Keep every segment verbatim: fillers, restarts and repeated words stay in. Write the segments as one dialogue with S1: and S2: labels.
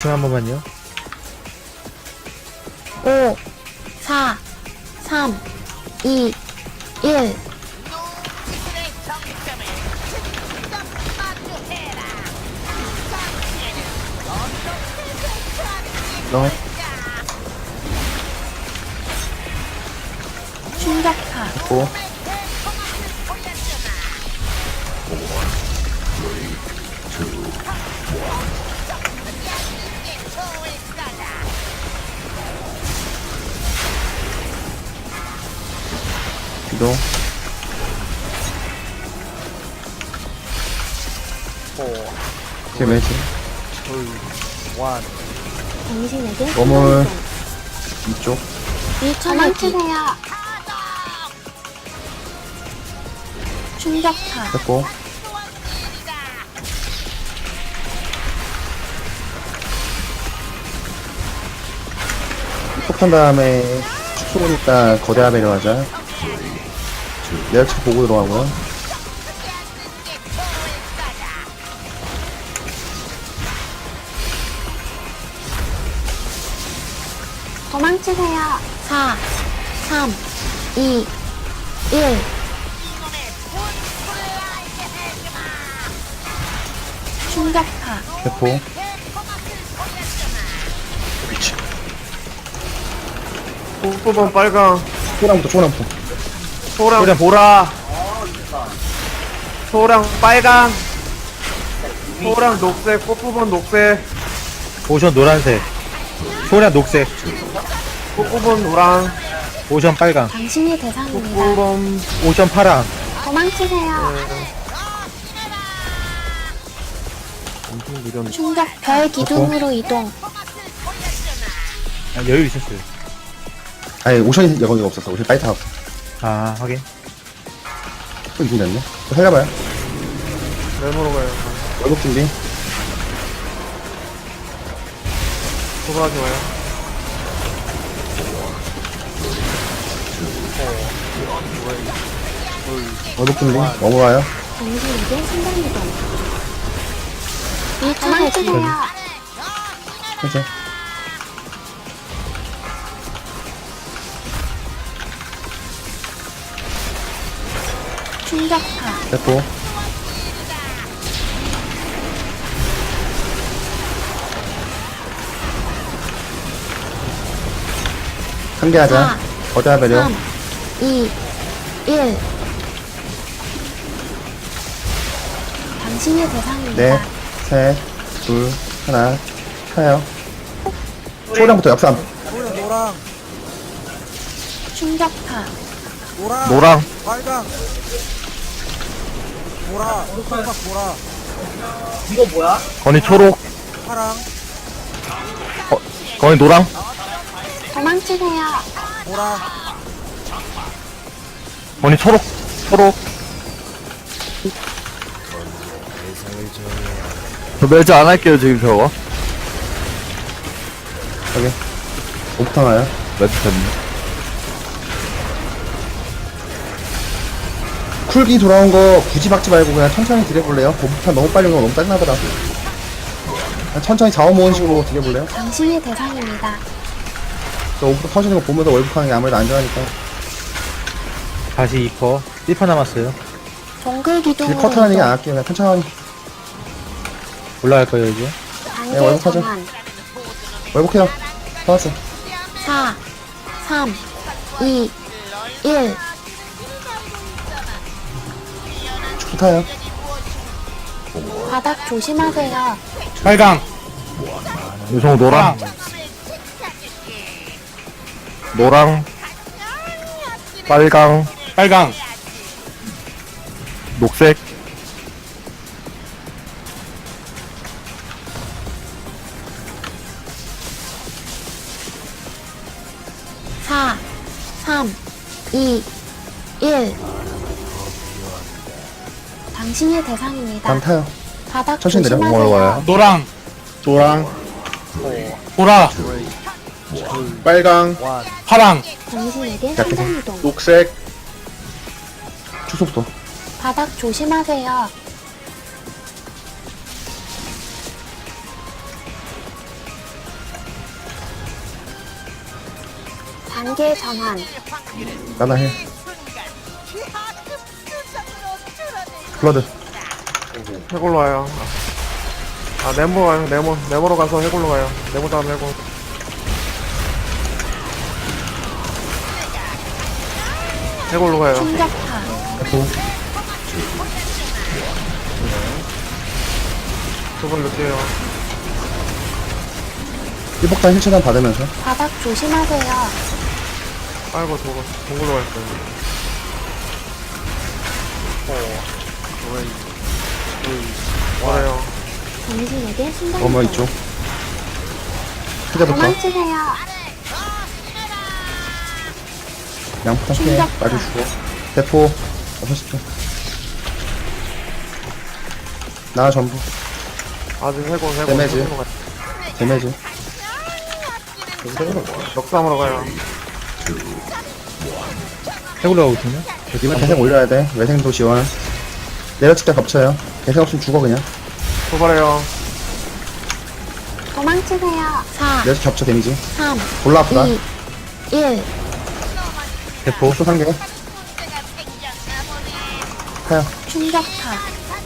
S1: 집중 한 번만요.
S2: 오, 사, 삼, 이, 일.
S3: 너
S2: 충격파.
S3: 됐고. 기도. 제 매지.
S2: 당신에게
S3: 어물. 이쪽.
S2: 도망치세요. 충격파.
S3: 됐고. 폭탄 다음에 축소보니까 거대화 배려하자. 내역책 보고 들어가고요.
S2: 도망치세요. 사, 삼, 이, 일. 충격파.
S3: 대포.
S4: 꽃부분 빨강,
S3: 초랑부터 초랑부터.
S4: 소랑
S1: 소랑.
S4: 보라, 소랑 빨강, 소랑 녹색, 꽃부분 녹색,
S1: 오션 노란색. 소량 녹색.
S4: 꽃부분 노랑,
S1: 오션 빨강.
S2: 당신이 대상입니다.
S4: 꽃부분
S1: 오션 파랑.
S2: 도망치세요.
S4: 엄청 느렸네.
S2: 충격 별 기둥으로 이동.
S1: 아, 여유 있었어요.
S3: 아니 오션이 여기가 없었어. 오션 빨리 타고.
S1: 아, 확인.
S3: 또 이긴 됐네. 또 살려봐요.
S4: 메모로 가요.
S3: 월급 준비.
S4: 도발하지 마요.
S3: 월급 준비. 넘어가요.
S2: 당신에게 순간이동. 도망치세요.
S3: 해제.
S2: 충격파.
S3: 됐고. 한 개 하자.
S2: 사,
S3: 거대화 배려.
S2: 삼, 이, 일. 당신이 대상입니다.
S3: 넷, 셋, 둘, 하나. 타요. 초량부터 역삼.
S5: 노랑 노랑
S2: 충격파.
S5: 노랑
S1: 노랑.
S5: 빨강 보라 빨강 보라
S1: 건이 초록.
S5: 파랑
S1: 어, 건이 노랑.
S2: 도망치세요.
S5: 보라
S1: 건이 초록. 초록. 저 멸저 안 할게요, 지금 저거.
S3: 여기. 오부터 나요.
S1: 멸저 됐네.
S3: 쿨기 돌아온 거 굳이 박지 말고 그냥 천천히 딜해볼래요? 오부탄 너무 빨리 오면 너무 짜증나더라. 그냥 천천히 자원 모은 식으로 딜해볼래요?
S2: 당신이 대상입니다.
S3: 저 오부탄 터지는 거 보면서 월북하는 게 아무래도 안전하니까.
S1: 다시 이 퍼. 일 퍼 남았어요.
S2: 동글
S3: 딜
S2: 기둥으로
S3: 커트하는 얘기 안
S2: 이동.
S3: 할게요. 그냥 천천히.
S1: 올라갈 거예요, 이제.
S3: 네,
S2: 단계
S3: 월급하죠.
S2: 전환.
S3: 월북해요. 터졌어.
S2: 사, 삼, 이, 일.
S3: 축구 타요.
S2: 바닥 조심하세요.
S1: 빨강. 유성우 노랑. 노랑. 빨강. 빨강. 녹색.
S2: 사, 삼, 이, 일. 당신이 대상입니다.
S3: 다음 타요.
S2: 바닥
S3: 천천히 내려.
S2: 조심하세요.
S3: 올라와요.
S1: 노랑.
S3: 노랑,
S1: 보라.
S3: 빨강,
S1: 파랑.
S2: 당신에게
S3: 약간
S2: 순간이동.
S3: 녹색. 축소부터.
S2: 바닥 조심하세요. 단계 전환.
S3: 나나 해. 블러드.
S4: 해골로 와요. 아, 네모 와요. 네모. 네모로 가서 해골로 가요. 네모 다음 해골. 해골로 가요.
S2: 충격파.
S3: F.
S4: 두 분 늦게요.
S3: 일폭탄 힐차단 받으면서.
S2: 바닥 조심하세요.
S4: 아이고, 저거. 동굴로 갈 거예요. 와요.
S2: 당신에게 순간
S3: 어머
S2: 이동.
S3: 이쪽. 해제부터.
S2: 도망치세요.
S3: 양폭탄 피해.
S2: 충격파.
S3: 맞아주고. 대포. 여섯 초. 나 전부.
S4: 아직 해골, 해골.
S3: 데미지.
S4: 해골로 가요.
S3: 데미지.
S4: 역삼으로 가요.
S1: 해골로 가고 있거든요.
S3: 이번 대생 올려야 돼. 외생도 지원. 내려칠 때 겹쳐요. 대생 없으면 죽어 그냥.
S4: 도발해요.
S2: 도망치세요. 사,
S3: 내려칠 겹쳐 데미지.
S2: 삼,
S3: 골라 아프다.
S2: 이, 일.
S1: 대포.
S3: 또 상계. 타요.
S2: 충격파.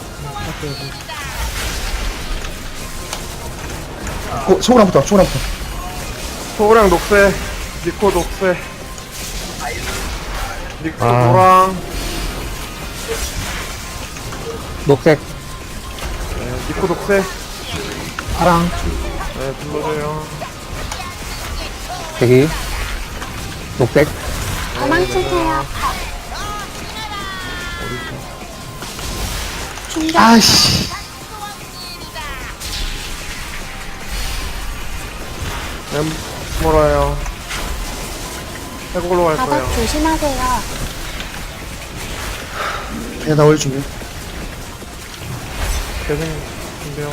S3: 고, 소그랑부터 소그랑부터.
S4: 소랑 녹색. 니코 녹색. 니코
S1: 아.
S4: 노랑.
S1: 녹색.
S4: 네, 니코 녹색.
S1: 파랑.
S4: 네, 불러줘요.
S1: 대기. 녹색.
S2: 도망치세요. 충격.
S3: 아씨.
S4: 네모로요. 해골로 갈 거예요.
S2: 바닥 조심하세요.
S3: 그냥 다 올릴 준비.
S4: 대생 준비하고.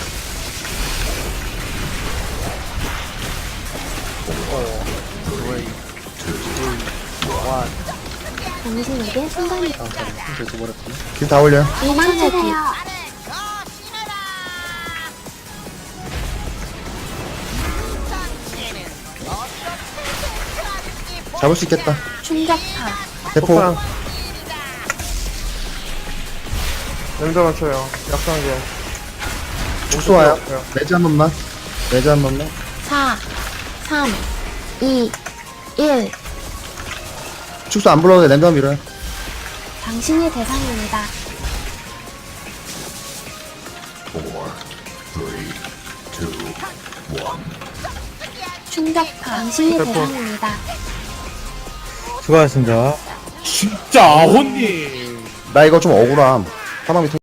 S2: 당신에게 순간 이동.
S3: 길 다 올려.
S2: 도망치세요.
S3: 잡을 수 있겠다.
S2: 충격파.
S3: 대포.
S4: 폭탄. 냄새 맞춰요. 약상계.
S3: 축소 와요. 매즈 한 번만. 매즈 한 번만.
S2: 사, 삼, 이, 일.
S3: 축소 안 불러도 돼. 랜덤 밀어요.
S2: 당신이 대상입니다. 충격파. 당신이
S4: 대포.
S2: 대상입니다.
S1: 수고하셨습니다.
S3: 나 이거 좀 억울함. 사망 밑에